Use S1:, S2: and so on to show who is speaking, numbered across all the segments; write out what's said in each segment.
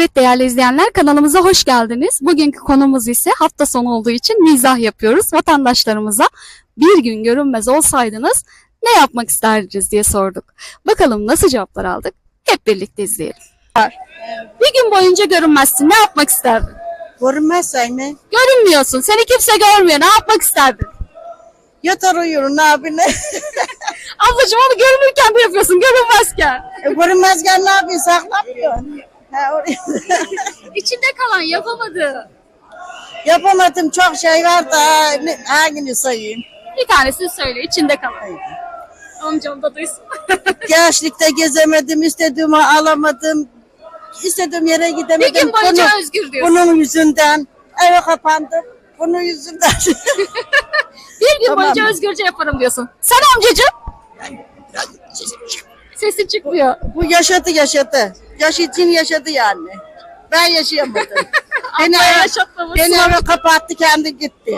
S1: Evet değerli izleyenler, kanalımıza hoş geldiniz. Bugünkü konumuz ise hafta sonu olduğu için mizah yapıyoruz. Vatandaşlarımıza bir gün görünmez olsaydınız ne yapmak isterdiniz diye sorduk. Bakalım nasıl cevaplar aldık? Hep birlikte izleyelim. Bir gün boyunca görünmezsin, ne yapmak isterdin?
S2: Görünmezsen mi?
S1: Görünmüyorsun, seni kimse görmüyor, ne yapmak isterdin?
S2: Yatar uyurum, ne yapayım?
S1: Ablacığım onu görünürken de yapıyorsun, görünmezken.
S2: Görünmezken ne yapayım? Saklamıyorsun.
S1: İçinde kalan yapamadı.
S2: Yapamadım, çok şey var da hangini sayayım?
S1: Bir tanesini söyle, içinde kalan. Amcam da duysun.
S2: Gençlikte gezemedim, istediğimi alamadım. İstediğim yere gidemedim.
S1: Bir gün boyunca özgür diyorsun.
S2: Bunun yüzünden eve kapandım. Bunun yüzünden.
S1: Bir gün
S2: Tamam.
S1: boyunca özgürce yaparım diyorsun. Sen amcacığım? Sesin çıkmıyor.
S2: Bu yaşadı. Yaş için yaşadı yani. Ben yaşayamadım. beni
S1: Abla yaşatmamışsın.
S2: beni eve kapattı, kendi gitti.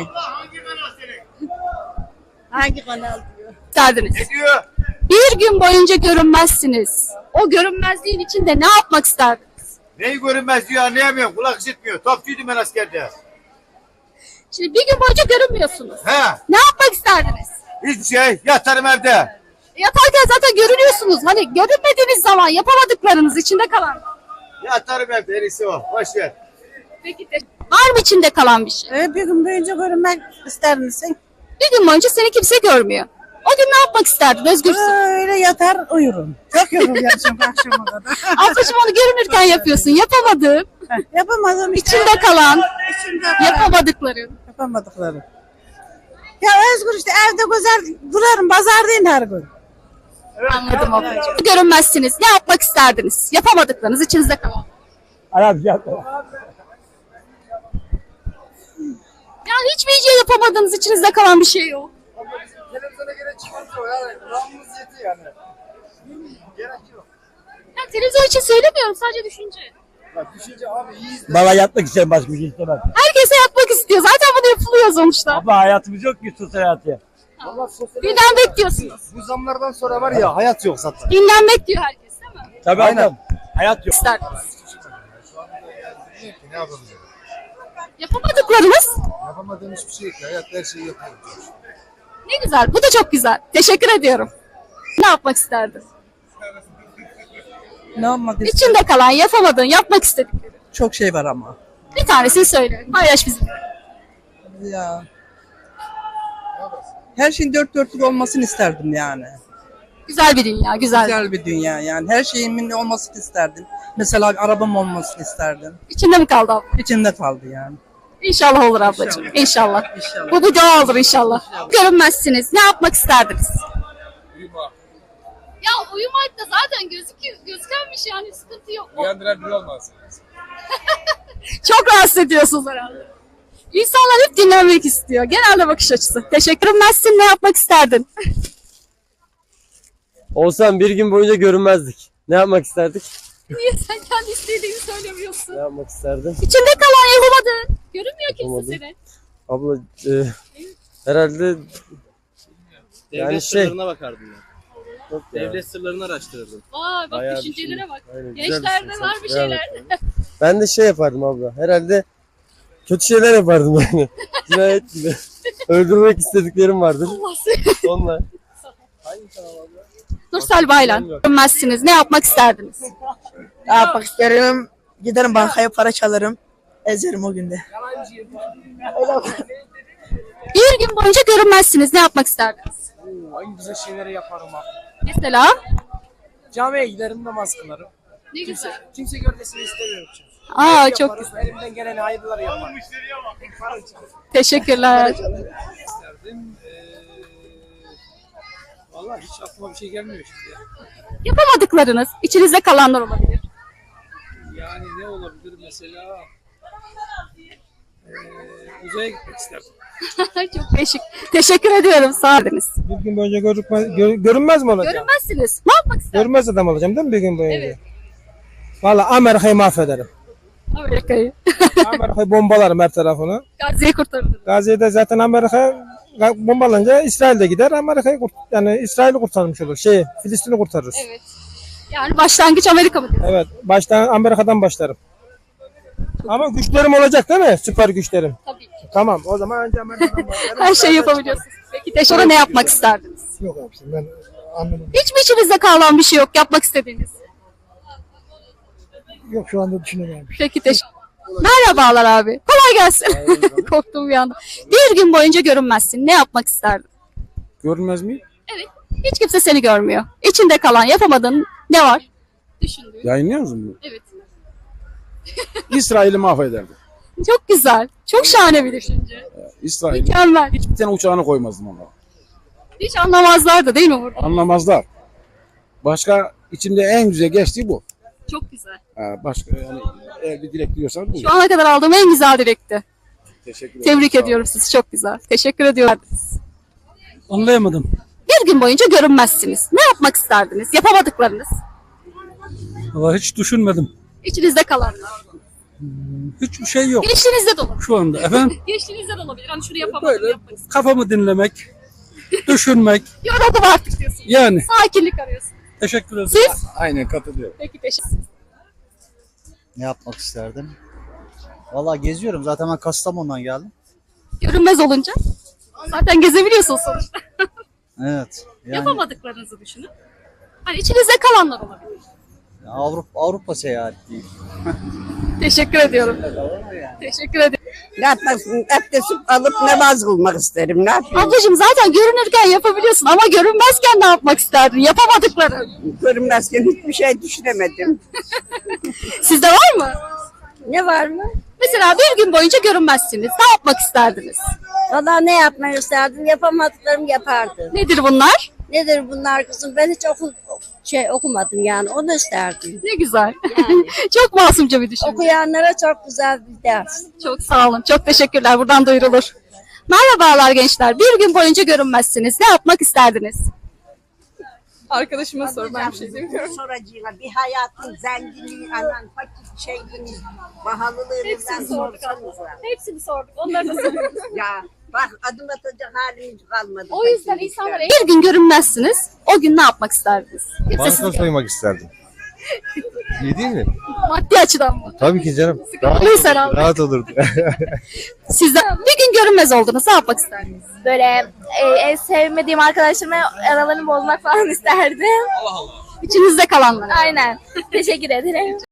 S2: Hangi kanal diyor?
S1: İsterdiniz.
S3: Diyor.
S1: Bir gün boyunca görünmezsiniz. O görünmezliğin içinde ne yapmak isterdiniz?
S3: Neyi görünmez diyor, anlayamıyorum. Kulak işitmiyor. Topçuydum ben askerde.
S1: Şimdi bir gün boyunca görünmüyorsunuz.
S3: He.
S1: Ne yapmak isterdiniz?
S3: Hiçbir şey. Yatarım evde.
S1: Yatarken zaten görünüyorsunuz. Hani görünmediğiniz zaman yapamadıklarınız içinde kalan.
S3: Yatarım evde. En iyisi o. Boş ver.
S1: Peki var mı içinde kalan bir şey?
S2: Bir gün boyunca görünmek ister misin?
S1: Bir gün boyunca seni kimse görmüyor. O gün ne yapmak isterdin? Özgürsün.
S2: Öyle yatar uyurum. Çok yoruluyorum akşama kadar.
S1: Ablacığım onu görünürken yapıyorsun. Yapamadığın,
S2: Yapamadım işte.
S1: içinde kalan,
S2: İçinde kalan.
S1: yapamadıkların.
S2: Yapamadıklarım. Ya özgür işte, evde güzel durarım. Pazardayım her gün.
S1: Anladım ablacığım. Görünmezsiniz. Ne yapmak isterdiniz? Yapamadıklarınız içinizde kalan. Ya hiçbir şey yapamadığınız içinizde kalan bir şey yok.
S3: Televizyona gerek çıkartıyor. Yani kulağımız yetiyor yani. Gerek yok.
S1: Ya televizyon için söylemiyorum, sadece düşünce.
S3: Bak düşünce abi iyiyiz.
S4: Valla yatmak isterim, başka bir şey istemem.
S1: Herkese yapmak istiyor. Zaten bunu yapılıyor sonuçta.
S4: Abla hayatımız yok ki, sosyal hayatı.
S1: Dinlenmek diyorsunuz.
S3: Bu zamlardan sonra var ya hayat yok zaten.
S1: Dinlenmek diyor herkes, değil mi?
S4: Tabii
S3: Aynen.
S4: adam. Hayat yok.
S1: İsterdiniz.
S3: Ne yapalım ya?
S1: Yapamadıklarınız
S3: Yapamadığım hiçbir şey yok. Hayat her şeyi yapıyor.
S1: ne güzel. Bu da çok güzel. Teşekkür ediyorum. Ne yapmak isterdin?
S2: Ne yapmak
S1: İçinde kalan, yapamadığın, yapmak istediklerin.
S2: Çok şey var ama.
S1: Bir tanesini söyle. Paylaş bizimle.
S2: Ya. Her şeyin dört dörtlük olmasını isterdim yani.
S1: Güzel bir dünya, güzel.
S2: Güzel bir dünya yani. Her şeyimin olmasını isterdim. Mesela arabam olmasını isterdim.
S1: İçinde mi kaldı abla?
S2: İçimde kaldı yani.
S1: İnşallah olur ablacığım. İnşallah.
S2: İnşallah.
S1: Bu bir dua olur inşallah. Görünmezsiniz. Ne yapmak isterdiniz? Ya uyumak da zaten gözüken bir şey, yani sıkıntı yok.
S3: Uyandıran biri olmaz.
S1: Çok rahatsız ediyorsunuz herhalde. İnsanlar hep dinlenmek istiyor. Genelde bakış açısı. Teşekkür etmezsin. Ne yapmak isterdin?
S5: Olsan bir gün boyunca görünmezdik. Ne yapmak isterdik?
S1: Niye sen kendi istediğini söylemiyorsun?
S5: Ne yapmak isterdim?
S1: İçinde kalan yapamadın. Görünmüyor kimse
S5: Yapamadım.
S1: seni.
S5: Abla herhalde yani
S6: Devlet
S5: şey
S6: sırlarına bakardım ben.
S5: yok ya.
S6: Devlet sırlarını araştırırdım.
S1: Vay bak,
S5: Bayağı bir
S1: düşüncelere
S5: şey.
S1: bak.
S5: Aynen, güzel bir
S1: Gençlerde
S5: şey.
S1: var bir
S5: Devam
S1: şeyler.
S5: et. Ben de şey yapardım abla. Herhalde kötü şeyler yapardım yani. Cinayet gibi. Öldürmek istediklerim vardır.
S1: Allah seni.
S5: Onlar.
S1: Nursel Baylan. Görünmezsiniz. Ne yapmak isterdiniz?
S2: Ne yapmak isterim? Giderim bankaya, para çalarım. Ezerim o günde.
S1: Bir gün boyunca görünmezsiniz. Ne yapmak isterdiniz?
S7: En güzel şeyleri yaparım abi.
S1: Mesela?
S7: Camiye giderim, namaz kılarım.
S1: Ne güzel.
S7: Kimse görmesini istemiyorum çünkü.
S1: Aa çok
S7: Yaparım,
S1: güzel.
S7: elimden gelen hayırları yaparım.
S1: Teşekkürler.
S7: İsterdim. Vallahi hiç aklıma bir şey gelmiyor şimdi ya.
S1: Yapamadıklarınız, içinizde kalanlar olabilir.
S7: Yani ne olabilir mesela? Uzaya gitmek isterdim.
S1: Çok değişik. Teşekkür ediyorum. Sağ olun.
S8: Bir gün boyunca görünmez mi olacağım?
S1: Görünmezsiniz. Ne yapmak isterdiniz?
S8: Görünmez adam olacağım değil mi bir gün boyunca?
S1: Evet.
S8: Vallahi Amerika'yı mahvederim.
S1: Amerika'yı.
S8: Amerika'yı bombalarım her tarafını.
S1: Gazze'yi kurtardınız.
S8: Gazze'de zaten Amerika bombalanınca İsrail de gider. Yani İsrail'i kurtarmış olur. Filistin'i kurtarırız.
S1: Evet. Yani başlangıç Amerika mı diyor?
S8: Evet. Baştan Amerika'dan başlarım. Ama güçlerim olacak değil mi? Süper güçlerim.
S1: Tabii ki.
S8: Tamam o zaman önce
S1: Her şeyi yapabiliyorsunuz. Peki sonra ne yapmak isterdiniz?
S3: Yok abiciğim ben anladım.
S1: Hiç mi içinizde kalan bir şey yok yapmak istediğiniz?
S3: Yok şu anda düşünemiyorum.
S1: Peki teşekkür. Merhabalar abi. Kolay gelsin. Korktum bir anda. Bir gün boyunca görünmezsin. Ne yapmak isterdin?
S9: Görünmez mi?
S1: Hiç kimse seni görmüyor. İçinde kalan yapamadığın ne var? Düşündüğün.
S9: Yayınlıyor musun
S1: Evet.
S9: bunu? İsrail'i mahvederdim.
S1: Çok güzel. Çok şahane bir düşünce.
S9: İsrail.
S1: Mükemmel.
S9: Hiçbir tane uçağını koymazdım onlara.
S1: Hiç anlamazlardı değil mi burada?
S9: Anlamazlar. Başka içimde en güzel geçtiği bu.
S1: Çok güzel.
S9: Başka yani eğer bir dilek diyorsan bu.
S1: Şu ana kadar aldığım en güzel dilekti.
S9: Teşekkür ederim.
S1: Tebrik
S9: Sağ olun.
S1: ediyorum sizi. Çok güzel. Teşekkür ediyorum.
S4: Anlayamadım.
S1: Bir gün boyunca görünmezsiniz. Ne yapmak isterdiniz? Yapamadıklarınız.
S4: Valla hiç düşünmedim.
S1: İçinizde kalanlar.
S4: Hiçbir şey yok
S1: Gençliğinizde de olabilir.
S4: şu anda. Efendim
S1: Gençliğinizde de olabilir. Hani şunu yapamadım,
S4: böyle
S1: yapmak istedim.
S4: kafamı dinlemek, düşünmek.
S1: Yoruldum artık diyorsun.
S4: Yani
S1: Sakinlik arıyorsun.
S4: teşekkür ederim.
S1: Siz?
S9: Aynen katılıyorum.
S1: Peki teşekkür.
S10: Ne yapmak isterdim? Vallahi geziyorum. Zaten ben Kastamonu'dan geldim.
S1: Görünmez olunca. Zaten gezebiliyorsunuz sonuçta.
S10: Evet. Yani
S1: Yapamadıklarınızı düşünün. Hani içinizde kalanlar olabilir.
S10: Avrupa seyahati değil.
S1: Teşekkür ediyorum. Teşekkür ederim.
S2: Abdest alıp namaz kılmak isterim. Ne yapayım?
S1: Ablacığım zaten görünürken yapabiliyorsun ama görünmezken ne yapmak isterdin? Yapamadıkları.
S2: Görünmezken hiçbir şey düşünemedim.
S1: Sizde var mı?
S2: Ne var mı?
S1: Mesela bir gün boyunca görünmezsiniz. Ne yapmak isterdiniz?
S2: Valla ne yapmayı isterdim? Yapamadıklarımı yapardım.
S1: Nedir bunlar?
S2: Nedir bunlar kızım? Ben hiç okumadım yani. Onu isterdim.
S1: Ne güzel.
S2: Yani.
S1: Çok masumca bir düşünce.
S2: Okuyanlara çok güzel bir ders.
S1: Çok sağ olun. Çok teşekkürler. Buradan duyurulur. Merhabalar gençler. Bir gün boyunca görünmezsiniz. Ne yapmak isterdiniz? Arkadaşıma sor. Ben bir şey demiyorum.
S2: Soracağına bir hayatın zenginliği, anan fakir şeyini, pahalılığından sorsanıza.
S1: Hepsini sorduk. Onları da sorduk.
S2: Ya bak adım atacak halimiz kalmadı.
S1: O yüzden insanlara bir gün görünmezsiniz. O gün ne yapmak isterdiniz? Kimse
S5: Banka
S1: sizi
S5: soymak isterdim. İyi değil mi?
S1: maddi açıdan mı?
S5: Tabii ki canım.
S1: Sıkıntılıysa herhalde.
S5: Rahat olurdu.
S1: Sizden bir gün görünmez oldunuz. Ne yapmak isterdiniz?
S11: Böyle en sevmediğim arkadaşlarımla aralarını bozmak falan isterdim.
S1: İçinizde kalanlar.
S11: Aynen. Teşekkür ederim.